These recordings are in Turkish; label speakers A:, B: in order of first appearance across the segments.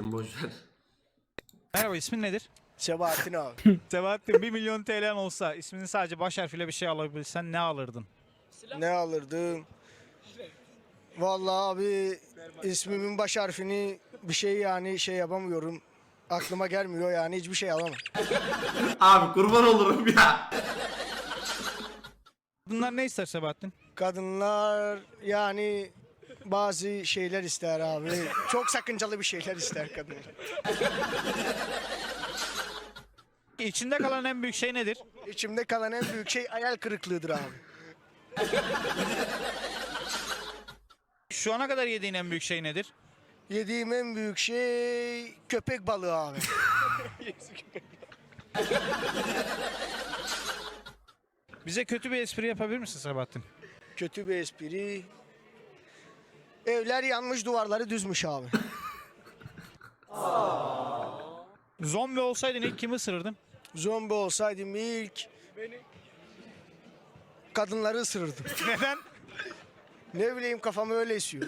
A: Boşver.
B: Merhaba, ismin nedir?
C: Sebahattin abi.
B: Sebahattin, 1 milyon TL'n olsa isminin sadece baş harfiyle bir şey alabilsen ne alırdın?
C: Ne alırdım? Vallahi abi ismimin baş harfini bir şey yani şey yapamıyorum. Aklıma gelmiyor yani hiçbir şey alamam.
A: Abi kurban olurum ya.
B: Bunlar ne ister Sebahattin?
C: Kadınlar yani bazı şeyler ister abi. Çok sakıncalı bir şeyler ister kadınlar.
B: İçinde kalan en büyük şey nedir?
C: İçimde kalan en büyük şey hayal kırıklığıdır abi.
B: Şu ana kadar yediğin en büyük şey nedir?
C: Yediğim en büyük şey köpek balığı abi.
B: Bize kötü bir espri yapabilir misin Sebahattin?
C: Kötü bir espri. Evler yanmış, duvarları düzmüş abi.
B: Zombi olsaydın ilk kimi ısırırdın?
C: Zombi olsaydım ilk kadınları ısırırdım.
B: Neden?
C: Ne bileyim kafam öyle esiyor.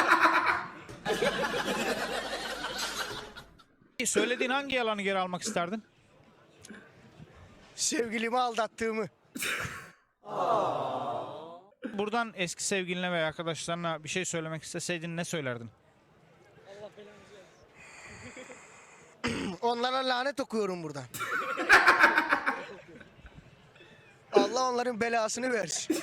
B: Söylediğin hangi yalanı geri almak isterdin?
C: Sevgilimi aldattığımı.
B: Buradan eski sevgiline veya arkadaşlarına bir şey söylemek isteseydin ne söylerdin?
C: Onlara lanet okuyorum buradan. Allah onların belasını versin.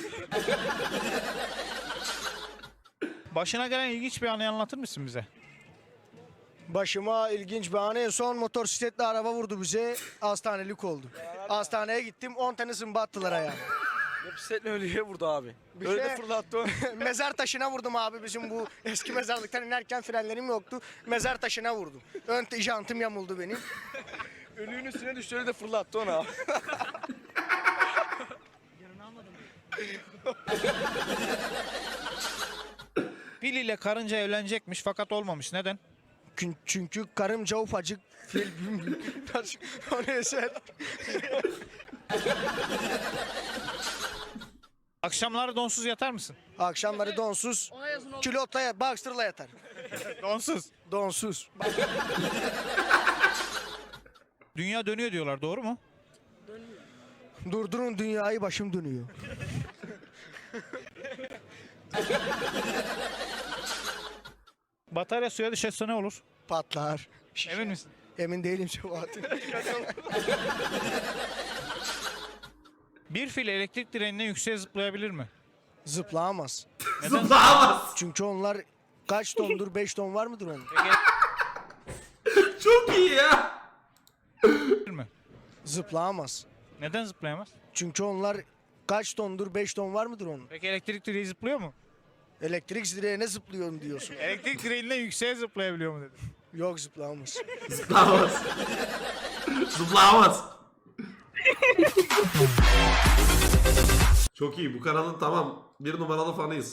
B: Başına gelen ilginç bir anı anlatır mısın bize?
C: Başıma ilginç bir an. En son motosikletli araba vurdu bize. Hastanelik oldu. Hastaneye gittim 10 tane zımba attılar ayağıma.
D: Bisikletle ölüye vurdu abi.
C: Bir
D: Öyle
C: şey-
D: de fırlattı onu.
C: Mezar taşına vurdum abi bizim bu eski mezarlıktan inerken frenlerim yoktu. Mezar taşına vurdum. Ön jantım yamuldu benim.
D: Ölüğün üstüne düştü öyle de fırlattı onu abi.
B: Fil ile karınca evlenecekmiş fakat olmamış. Neden?
C: Çünkü karımca ufacık fil. O ne eser?
B: Akşamları donsuz yatar mısın?
C: Akşamları donsuz, külotla, boxer'la yatar.
B: Donsuz.
C: Donsuz.
B: Dünya dönüyor diyorlar, doğru mu?
C: Durdurun dünyayı başım dönüyor.
B: Batarya suya düşerse ne olur?
C: Patlar.
B: Emin misin?
C: Emin değilim Sebahattin.
B: Bir fil elektrik direğinden yükseğe zıplayabilir mi?
C: Zıplayamaz.
A: Zıplayamaz.
C: Çünkü onlar kaç tondur? 5 ton var mıdır onun?
A: Çok iyi ya.
B: Zıplayabilir mi?
C: Zıplayamaz.
B: Neden zıplayamaz?
C: Çünkü onlar kaç tondur? 5 ton var mıdır onun?
B: Peki elektrik direği zıplıyor mu?
C: Elektrik direğine zıplıyorum diyorsun.
B: Elektrik direğinden yükseğe zıplayabiliyor mu dedim.
C: Yok zıplayamaz.
A: Zıplayamaz. Zıplayamaz. Çok iyi. Bu kanalın tamam 1 numaralı fanıyız.